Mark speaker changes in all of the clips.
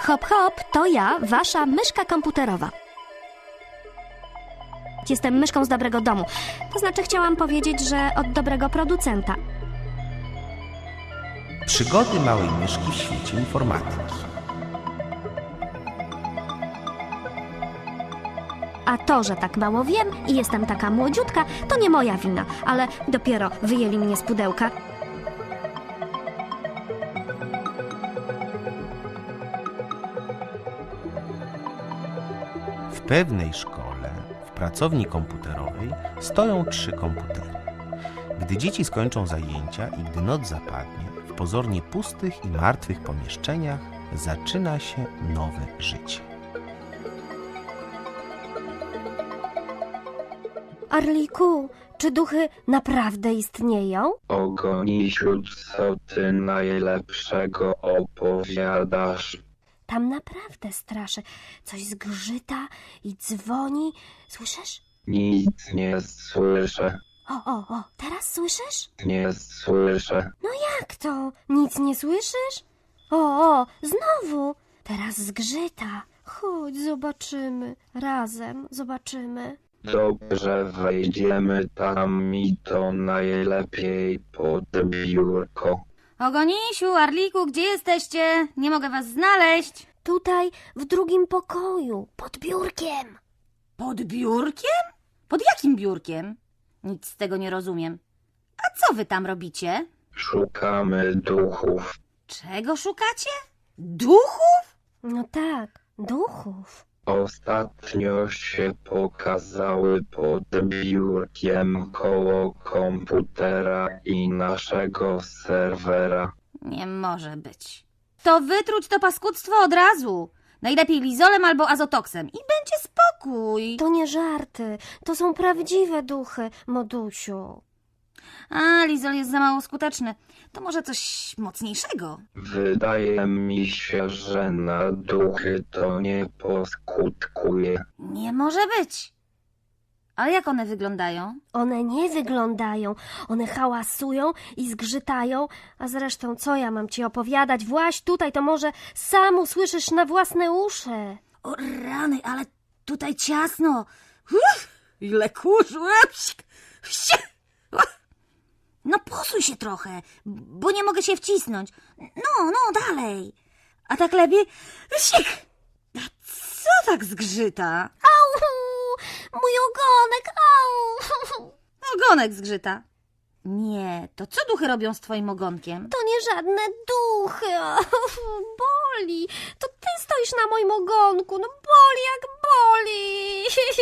Speaker 1: Hop, hop, to ja, wasza myszka komputerowa. Jestem myszką z dobrego domu. To znaczy chciałam powiedzieć, że od dobrego producenta.
Speaker 2: Przygody małej myszki w świecie informatyki.
Speaker 1: A to, że tak mało wiem i jestem taka młodziutka, to nie moja wina, ale dopiero wyjęli mnie z pudełka.
Speaker 2: W pewnej szkole, w pracowni komputerowej, stoją 3 komputery. Gdy dzieci skończą zajęcia i gdy noc zapadnie, w pozornie pustych i martwych pomieszczeniach zaczyna się nowe życie.
Speaker 1: Arliku, czy duchy naprawdę istnieją?
Speaker 3: Ogonisiu, co ty najlepszego opowiadasz?
Speaker 1: Tam naprawdę straszy. Coś zgrzyta i dzwoni. Słyszysz?
Speaker 3: Nic nie słyszę,
Speaker 1: O, teraz słyszysz?
Speaker 3: nie słyszę.
Speaker 1: No jak to? Nic nie słyszysz? O, znowu. Teraz zgrzyta. Chodź, zobaczymy. Razem zobaczymy.
Speaker 3: Dobrze, wejdziemy tam i to najlepiej pod biurko.
Speaker 4: Ogonisiu, Arliku, gdzie jesteście? Nie mogę was znaleźć.
Speaker 1: Tutaj, w drugim pokoju, pod biurkiem.
Speaker 4: Pod biurkiem? Pod jakim biurkiem? Nic z tego nie rozumiem. A co wy tam robicie?
Speaker 3: Szukamy duchów.
Speaker 4: Czego szukacie? Duchów?
Speaker 1: No tak, duchów.
Speaker 3: Ostatnio się pokazały pod biurkiem koło komputera i naszego serwera.
Speaker 4: Nie może być. To wytruć to paskudztwo od razu. Najlepiej lizolem albo azotoksem i będzie spokój.
Speaker 1: To nie żarty, to są prawdziwe duchy, Modusiu.
Speaker 4: A, lizol jest za mało skuteczny. To może coś mocniejszego.
Speaker 3: Wydaje mi się, że na duchy to nie poskutkuje.
Speaker 4: Nie może być. Ale jak one wyglądają?
Speaker 1: One nie wyglądają, one hałasują i zgrzytają, a zresztą co ja mam ci opowiadać? Właź tutaj, to może sam usłyszysz na własne uszy.
Speaker 4: O rany, ale tutaj ciasno. Ile kurzu. No posuń się trochę, bo nie mogę się wcisnąć. No, dalej. A tak lepiej? Sik! A co tak zgrzyta?
Speaker 1: Au! Mój ogonek, au!
Speaker 4: Ogonek zgrzyta. Nie, to co duchy robią z twoim ogonkiem?
Speaker 1: To nie żadne duchy, boli. To ty stoisz na moim ogonku, no boli jak boli.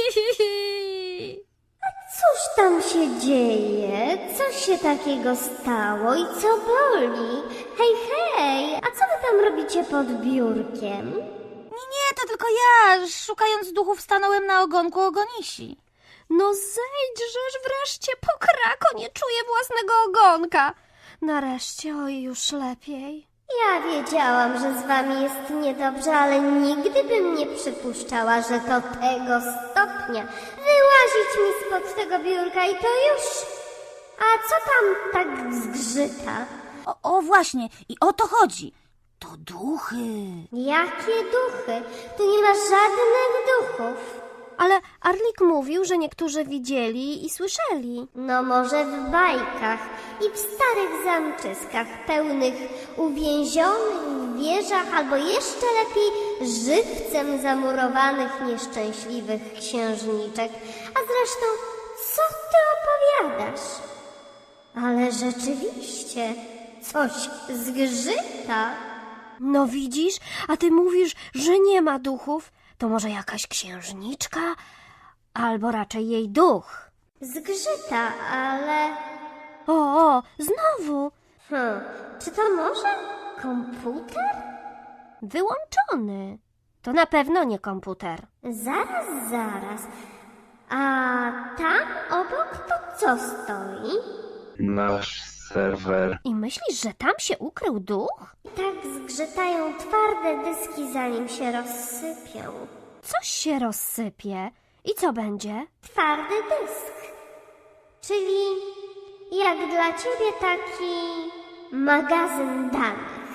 Speaker 5: Cóż tam się dzieje? Co się takiego stało i co boli? Hej, a co wy tam robicie pod biurkiem?
Speaker 4: Nie, to tylko ja, szukając duchów, stanąłem na ogonku ogonisi.
Speaker 1: No zejdźżesz wreszcie, pokrako, nie czuję własnego ogonka. Nareszcie, oj, już lepiej.
Speaker 5: Ja wiedziałam, że z wami jest niedobrze, ale nigdy bym nie przypuszczała, że do tego stopnia wyłazić mi spod tego biurka i to już. A co tam tak zgrzyta?
Speaker 4: O właśnie, i o to chodzi. To duchy.
Speaker 5: Jakie duchy? Tu nie ma żadnych duchów.
Speaker 1: Ale Arlik mówił, że niektórzy widzieli i słyszeli.
Speaker 5: No może w bajkach i w starych zamczyskach pełnych uwięzionych w wieżach albo jeszcze lepiej żywcem zamurowanych nieszczęśliwych księżniczek. A zresztą, co ty opowiadasz? Ale rzeczywiście, coś zgrzyta.
Speaker 1: No widzisz, a ty mówisz, że nie ma duchów. To może jakaś księżniczka? Albo raczej jej duch.
Speaker 5: Zgrzyta, ale...
Speaker 1: O, znowu.
Speaker 5: Czy to może komputer?
Speaker 1: Wyłączony. To na pewno nie komputer.
Speaker 5: Zaraz. A tam obok to co stoi?
Speaker 3: Nasz serwer.
Speaker 1: I myślisz, że tam się ukrył duch?
Speaker 5: Tak zgrzytają twarde dyski, zanim się rozsypią.
Speaker 1: Coś się rozsypie. I co będzie?
Speaker 5: Twardy dysk. Czyli jak dla ciebie taki magazyn danych.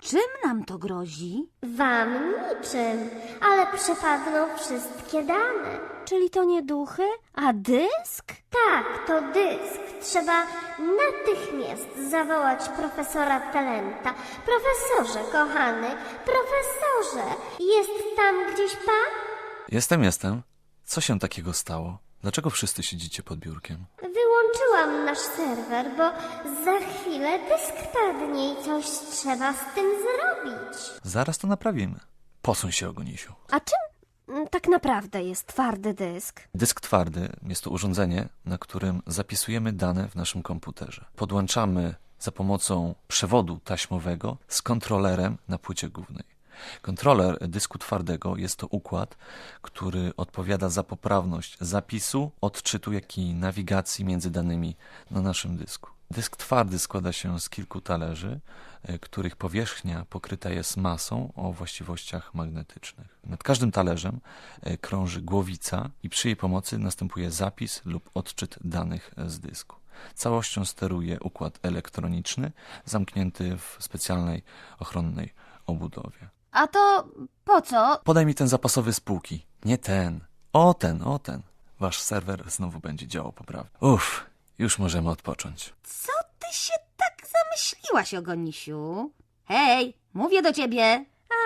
Speaker 4: Czym nam to grozi?
Speaker 5: Wam niczym, ale przepadną wszystkie dane.
Speaker 1: Czyli to nie duchy, a dysk?
Speaker 5: Tak, to dysk. Trzeba natychmiast zawołać profesora Talenta. Profesorze, kochany, profesorze, jest tam gdzieś pan?
Speaker 6: Jestem. Co się takiego stało? Dlaczego wszyscy siedzicie pod biurkiem?
Speaker 5: Wyłączyłam nasz serwer, bo za chwilę dysk padnie i coś trzeba z tym zrobić.
Speaker 6: Zaraz to naprawimy. Posuń się, Ogonisiu.
Speaker 1: A czym tak naprawdę jest twardy dysk?
Speaker 6: Dysk twardy jest to urządzenie, na którym zapisujemy dane w naszym komputerze. Podłączamy za pomocą przewodu taśmowego z kontrolerem na płycie głównej. Kontroler dysku twardego jest to układ, który odpowiada za poprawność zapisu, odczytu, jak i nawigacji między danymi na naszym dysku. Dysk twardy składa się z kilku talerzy, których powierzchnia pokryta jest masą o właściwościach magnetycznych. Nad każdym talerzem krąży głowica i przy jej pomocy następuje zapis lub odczyt danych z dysku. Całością steruje układ elektroniczny zamknięty w specjalnej ochronnej obudowie.
Speaker 4: A to po co?
Speaker 6: Podaj mi ten zapasowy z półki. Nie ten. O ten. Wasz serwer znowu będzie działał poprawnie. Już możemy odpocząć.
Speaker 4: Co ty się tak zamyśliłaś, Ogonisiu? Hej, mówię do ciebie.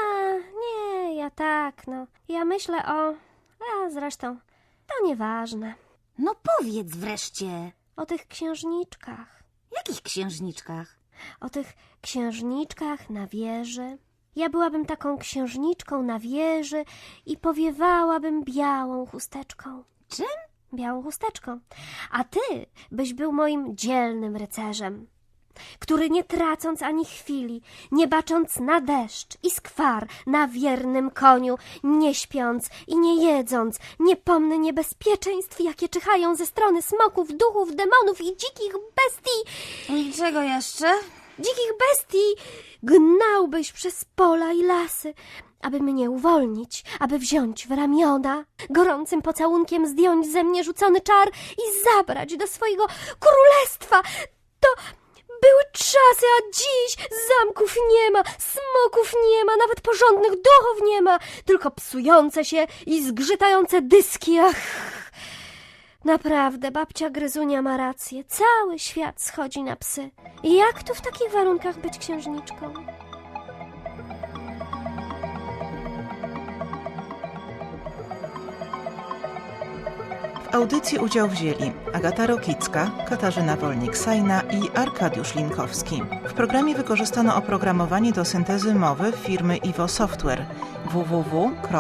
Speaker 1: Nie, ja tak, no. Ja myślę o... A zresztą, to nieważne.
Speaker 4: No powiedz wreszcie.
Speaker 1: O tych księżniczkach.
Speaker 4: Jakich księżniczkach?
Speaker 1: O tych księżniczkach na wieży. Ja byłabym taką księżniczką na wieży i powiewałabym białą chusteczką.
Speaker 4: Czym?
Speaker 1: Białą chusteczką. A ty byś był moim dzielnym rycerzem, który nie tracąc ani chwili, nie bacząc na deszcz i skwar, na wiernym koniu, nie śpiąc i nie jedząc, nie pomny niebezpieczeństw, jakie czyhają ze strony smoków, duchów, demonów i dzikich bestii,
Speaker 4: I czego jeszcze?
Speaker 1: dzikich bestii, gnałbyś przez pola i lasy, aby mnie uwolnić, aby wziąć w ramiona, gorącym pocałunkiem zdjąć ze mnie rzucony czar i zabrać do swojego królestwa. To były czasy, a dziś zamków nie ma, smoków nie ma, nawet porządnych duchów nie ma, tylko psujące się i zgrzytające dyski. Ach! Naprawdę, babcia Gryzunia ma rację. Cały świat schodzi na psy. I jak tu w takich warunkach być księżniczką?
Speaker 7: W audycji udział wzięli Agata Rokicka, Katarzyna Wolnik-Sajna i Arkadiusz Linkowski. W programie wykorzystano oprogramowanie do syntezy mowy firmy Iwo Software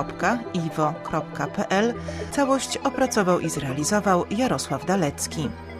Speaker 7: www.iwo.pl. Całość opracował i zrealizował Jarosław Dalecki.